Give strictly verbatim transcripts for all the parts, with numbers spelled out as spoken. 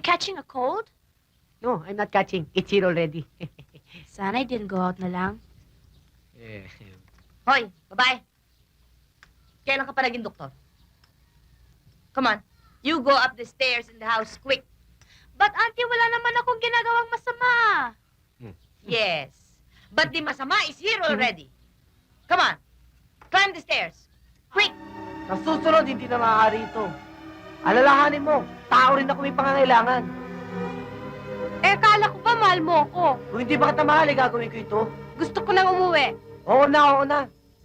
catching a cold? No, I'm not catching. It's here already. Sana I didn't go out na lang. Eh, Hoy, babae. Kailan ka pa naging doktor? Come on. You go up the stairs in the house quick. But auntie, wala naman akong ginagawang masama. Yes. But the masama is here already. Come on. Climb the stairs. Quick. Sa susunod, hindi na maaari ito. Alalahanin mo, tao rin ako may pangangailangan. Eh, kala ko ba mahal mo ako? Kung hindi ba kita mahal, eh, gagawin ko ito. Gusto ko nang umuwi. Oo na, oo na.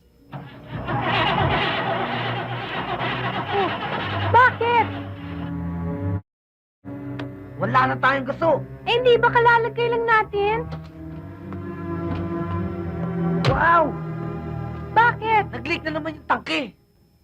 Oh, bakit? Wala na tayong gusto. Eh, hindi ba kalalagay lang natin? Wow! Bakit? Nag-leak na naman yung tangke.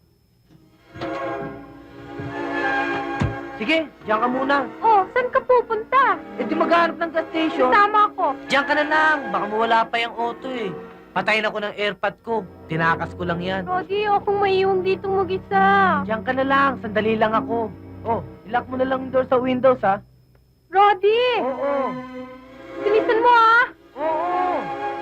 Sige, diyan ka muna. Oh, saan ka pupunta? Eh di maghanap ng gas station. Sama ako. Diyan ka na lang. Baka mawala pa yung auto eh. Patayin ako ng airpod ko. Tinakas ko lang yan. Rodi, akong maiiwang dito mag-isa. Diyan ka na lang. Sandali lang ako. Oh, ilock mo na lang yung door sa windows, ha? Rodi! Oo. Bilisan mo, ah! Oo.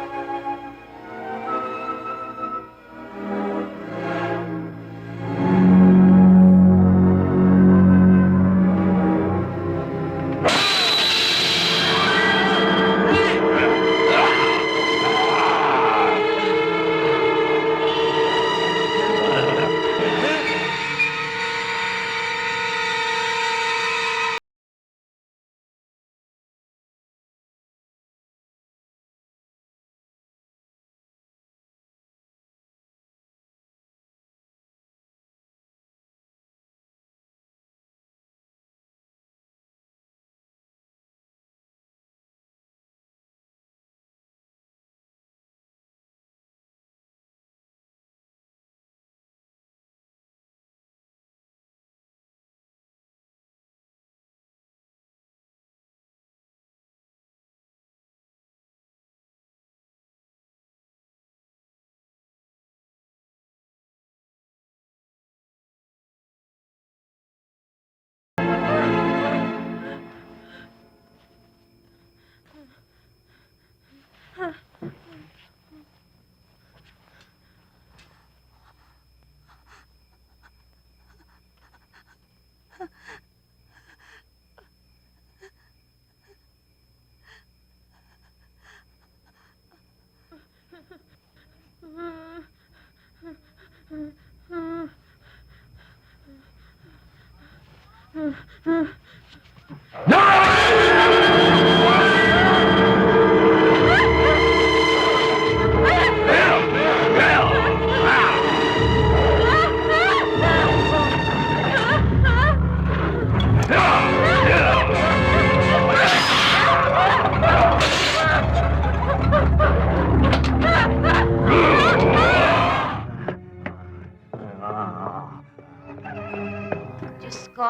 Diyos ko,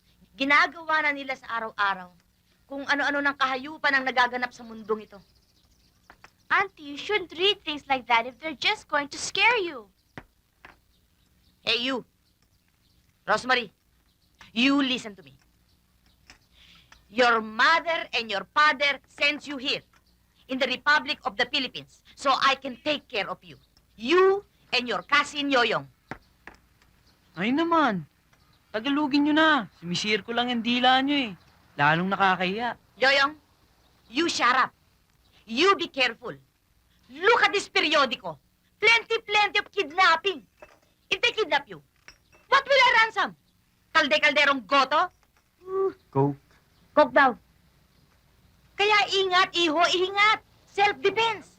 ginagawa na nila sa araw-araw kung ano-ano ng kahayupan ang nagaganap sa mundong ito. Auntie, you shouldn't read things like that if they're just going to scare you. Hey, you. Rosemary, you listen to me. Your mother and your father sends you here in the Republic of the Philippines so I can take care of you. You and your cousin Yoyong. Ay naman. Tagalugin nyo na. Sumisir ko lang yung dila nyo eh. Lalong nakakahiya. Yoyong, you shut up. You be careful. Look at this periodico. Plenty, plenty of kidnapping. If they kidnap you, what will I ransom? Kalde-kalderong goto? Go. Coke daw. Kaya ingat, iho, ingat. Self-defense.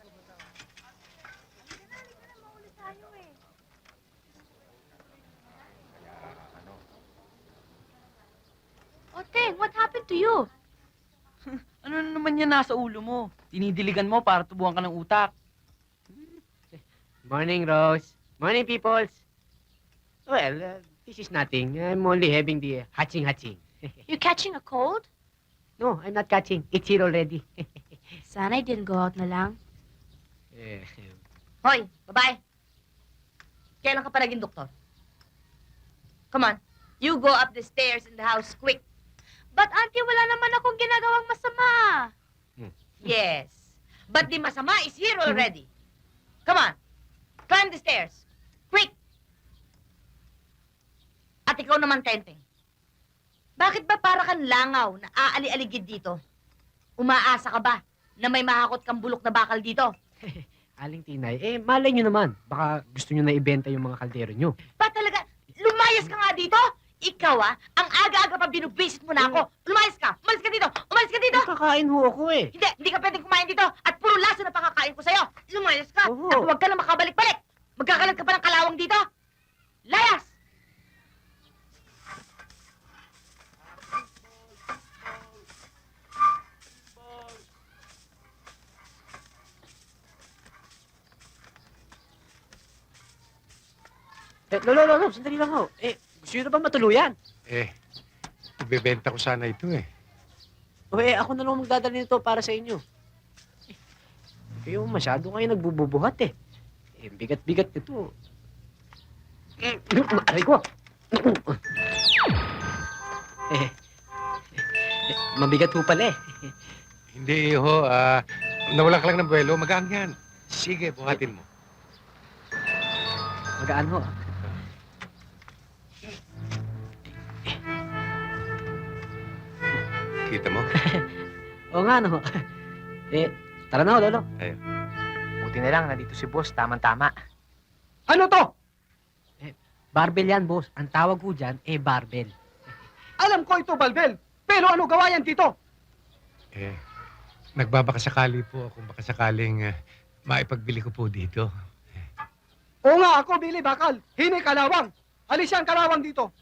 Oteng, what happened to you? Ano na naman yan nasa ulo mo? Tinidiligan mo para tubuhan ka ng utak. Morning, Rose. Morning, peoples. Well, uh, this is nothing. I'm only having the hatching-hatching. You catching a cold? No, I'm not catching. It's here already. Sana I didn't go out na lang. Eh, Hoy, babae. Kailan ka pa naging doktor? Come on. You go up the stairs in the house quick. But auntie, wala naman akong ginagawang masama. Yes. But the masama is here already. Come on. Climb the stairs. Quick! At ikaw naman, Tenteng. Bakit ba para kang langaw na aali-aligid dito? Umaasa ka ba na may mahakot kang bulok na bakal dito? Aling Tinay, eh, malay nyo naman. Baka gusto nyo na ibenta yung mga kaldero nyo. Ba talaga, lumayas ka nga dito? Ikaw ah, ang aga-aga pa binubwisit mo na ako. Lumayas ka! Umalis ka dito! Umalis ka dito! Kakain ho ako eh. Hindi, hindi ka pwedeng kumain dito at puro laso na pakakain ko sa'yo. Lumayas ka Oo. at huwag ka na makabalik-balik. Magkakalat ka pa ng kalawang dito. Layas! Eh, lolo, lolo, sandali lang ho. Eh, gusto nyo na ba matuluyan? Eh, ibebenta ko sana ito eh. O eh, ako na lang magdadala nito para sa inyo. Eh, kayo masyado kayo nagbububuhat eh. Eh, bigat-bigat nito. Eh, aray ko. Eh, eh, mabigat ho pala eh. Hindi ho, ah, nawala ka lang ng buwelo, magaan yan. Sige, buhatin mo. Magaan ho. Kita mo? Oo nga, no. Eh, tara na ho, lolo. Buti na lang, nandito si boss, tamang-tama. Ano to? Barbell yan, boss. Ang tawag ko dyan, eh, barbell. Alam ko ito, Balbel. Pero ano gawa yan dito? Eh, nagbabakasakali po kung baka sakaling ah, maipagbili ko po dito. Oo nga, ako, Billy Bakal. Hini kalawang. Alis yan kalawang dito.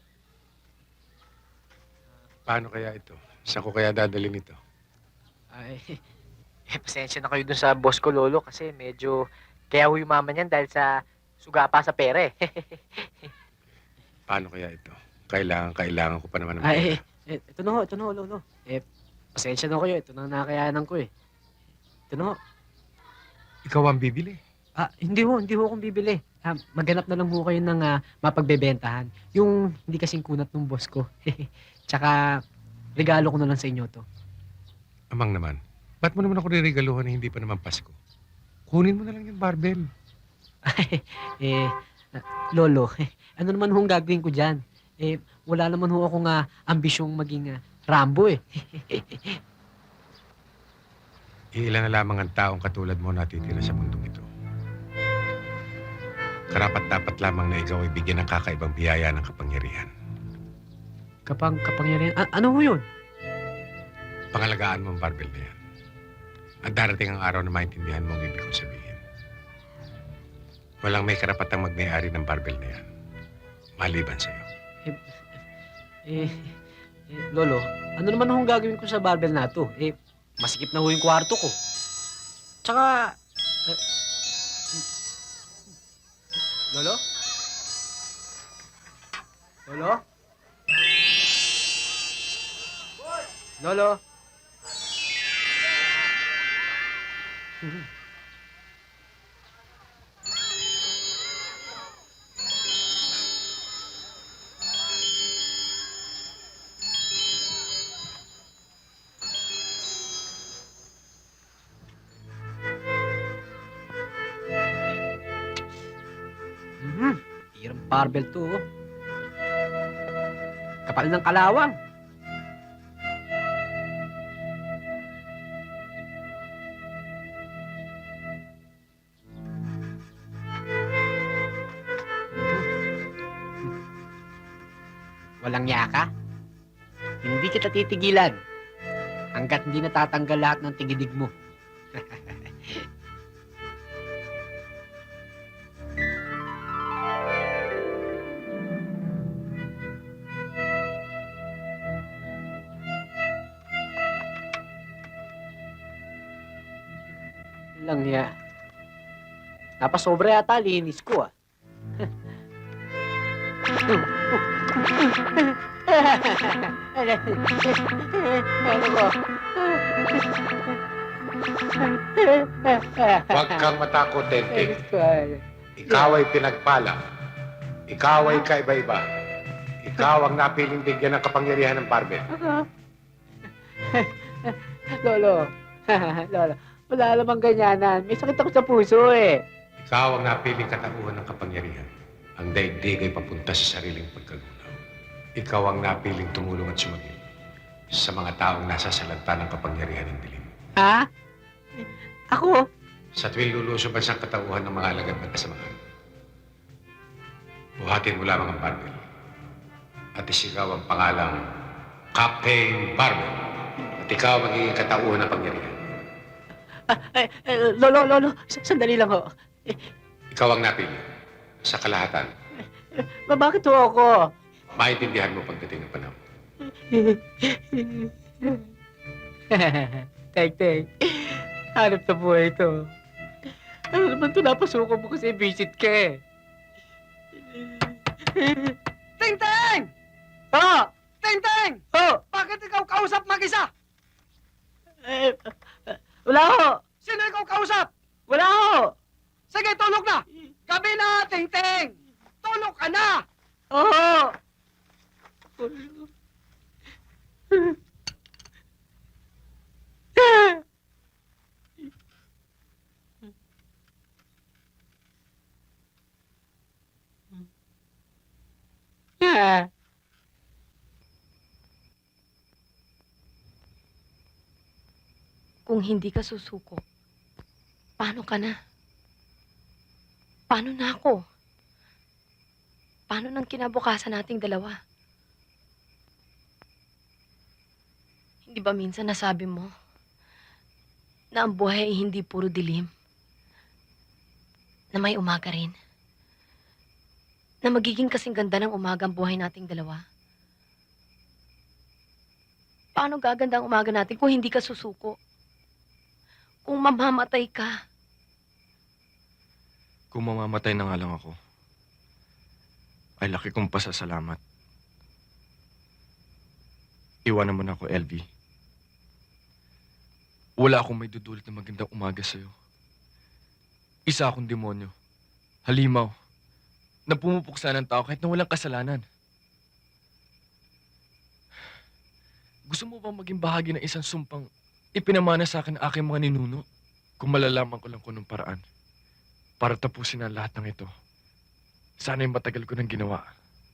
Paano kaya ito? Saan ko kaya dadalhin ito? Ay, Eh, pasensya na kayo dun sa boss ko, lolo, kasi medyo kaya ho yumaman yan dahil sa suga pa sa pere. Paano kaya ito? Kailangan, kailangan ko pa naman ng ay, pera. eh, ito na ho, ito na ho, lolo. Eh, pasensya na ho kayo. Ito na ang nakayanan ko eh. Ito na ho. Ikaw ang bibili. Ah, hindi ho, hindi ho akong bibili. Ah, maghanap na lang ho kayo ng ah, mapagbebentahan. Yung hindi kasing kunat ng boss ko. Tsaka, regalo ko na lang sa inyo to. Amang naman. Ba't mo naman ako riregaluhan na hindi pa naman Pasko? Kunin mo na lang yung barbell. eh, ah, lolo, ano naman hong gagawin ko dyan? Eh, wala naman ho akong ah, ambisyong maging ah, Rambo eh. Iilan na lamang ang taong katulad mo natitira sa mundong ito. Karapat-dapat lamang na ikaw ay bigyan ng kakaibang biyaya ng kapangyarihan. Kapang, kapangyarihan. A- ano ho yun? Pangalagaan mo ang barbell na yan. At darating ang araw na maintindihan mo ang ibig kong sabihin. Walang may karapatang magmayari ng barbell na yan. Maliban sa'yo. Eh, eh, lolo, ano naman hong gagawin ko sa barbell na to? Eh, masikip na ho yung kwarto ko. Tsaka, eh, lolo? Lolo? Lolo? Mhm. Hirang barbell to, oh. Kapal ng kalawang. Walang yaka? Hindi kita titigilan hanggat hindi natatanggal lahat ng tigidig mo. Lang ya. Napasobra yata linis ko ah. Ano ko? Huwag kang matakot, Tentik. Ikaw ay pinagpala. Ikaw ay kaiba-iba. Ikaw ang napiling bigyan ng kapangyarihan ng barbell. Lolo. Lolo. Wala namang ganyanan. May sakit ako sa puso eh. Ikaw ang napiling katauhan ng kapangyarihan. Ang daigdig ay papunta sa sariling pagkagunaw. Ikaw ang napiling tumulong at sumagip sa mga taong nasa salanta ng kapangyarihan ng dilim. Ha? Ako? Sa tuwing lulusob ang katauhan ng mga alagad ng kasamaan. Buhatin mo lamang ang barbel at isigaw ang pangalang Captain Barbel at ikaw ang magiging katauhan ng pangyarihan. Ah, eh, eh, lolo, lolo. S- Sandali lang ho. Ikaw ang napili sa kalahatan. Ba, bakit ho ako? Maintindihan mo pagdating ng panahon. Tek, tek. Hanap na buhay ito. Ano naman ito napasukan mo kasi visit ka eh. Ting Ting! Oh! Ting Ting! Oh! Bakit ikaw kausap mag-isa? Eh, wala ho! Sino ikaw kausap? Wala ho! Sige, tulog na! Gabi na, Ting Ting! Tulog ka na! Oo! Yeah. Kung hindi ka susuko, paano ka na? Paano na ako? Paano nang kinabukasan nating dalawa? Hindi ba minsan nasabi mo na ang buhay ay hindi puro dilim? Na may umaga rin? Na magiging kasing ganda ng umaga ang buhay nating dalawa? Paano gaganda ang umaga natin kung hindi ka susuko? Kung mamamatay ka? Kung mamamatay na nga lang ako, ay laki kong pasasalamat. Iwanan mo na ako, L V. Wala akong may dudulot na magandang umaga sa'yo. Isa akong demonyo. Halimaw. Na pumupuksa ng tao kahit na walang kasalanan. Gusto mo bang maging bahagi ng isang sumpang ipinamana sa akin ang aking mga ninuno? Kung malalaman ko lang kung anong paraan para tapusin ang lahat ng ito. Sana'y matagal ko nang ginawa.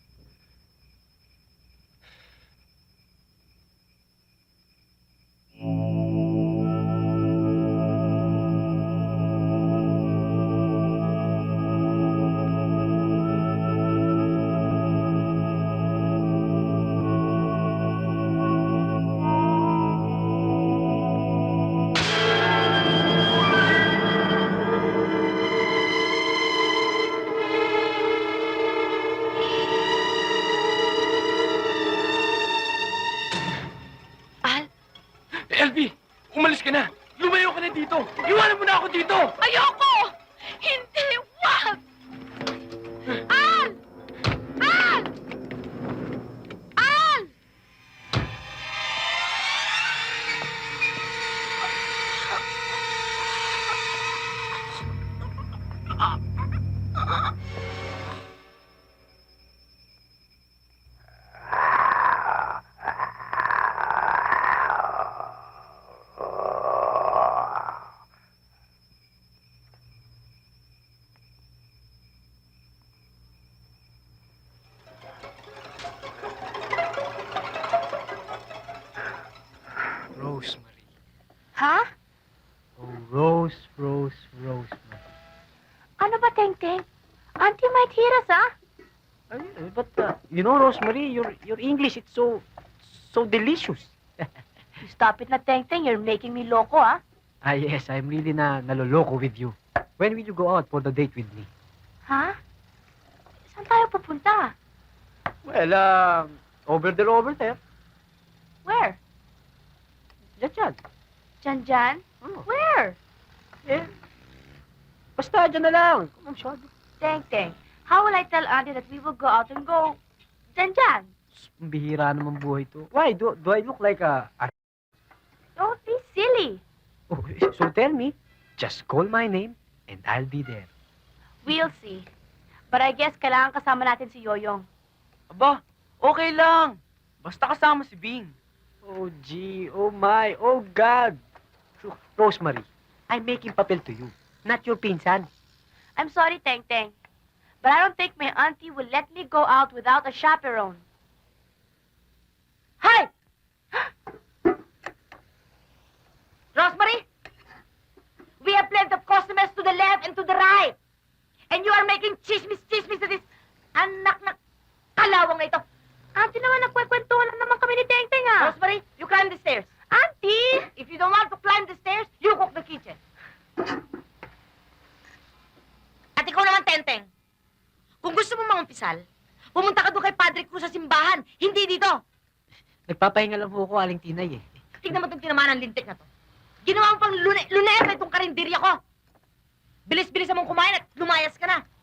Al, L V! Umalis ka na! Lumayo ka na dito! Iwanan mo na ako dito! ayoko! Hindi! Wag! Al! Al! Al! Rosemary. Ha? Oh, Rose, Rose, Rosemary. Ano ba, Teng Teng? Auntie might hear us, ah? Ay, eh, but, uh, you know, Rosemary, your, your English, it's so, so delicious. You stop it na, Teng Teng. You're making me loco, ah? Ah, yes, I'm really na naloloko with you. When will you go out for the date with me? Ha? Saan tayo pupunta? Well, um, over there, over there. Where? Diyan, diyan. Jan Jan? Oh, Where? eh. Basta, dyan na lang. Kung masyado. Teng Teng, how will I tell Auntie that we will go out and go Jan Jan? Ang bihira naman buhay to. Why? Do, do I look like a, a... Don't be silly. Oh, so tell me, just call my name and I'll be there. We'll see. But I guess kailangan kasama natin si Yoyong. Aba, okay lang. Basta kasama si Bing. Oh, gee. Oh, my. Oh, God. Rosemary, I'm making papel to you, not your pinsan. I'm sorry, Teng Teng. But I don't think my auntie will let me go out without a chaperone. Hi! Rosemary, we have plenty of customers to the left and to the right. And you are making chismis-chismis to this anak na kalawang na ito. Auntie naman, nagkwekwentuhan lang naman kami ni Teng Teng, ah. Rosemary, you climb the stairs. Auntie! If you don't want to climb the stairs, you cook the kitchen. At ikaw naman, Tenteng. Kung gusto mo mangumpisal, pumunta ka doon kay Padre Cruz sa simbahan, hindi dito. Nagpapahinga lang po ako, Aling Tinay, eh. Tignan mo itong tinamaan ng lintik na to. Ginawa mo pang lune luneta itong karinderya ko. Bilis-bilis mong kumain at lumayas ka na.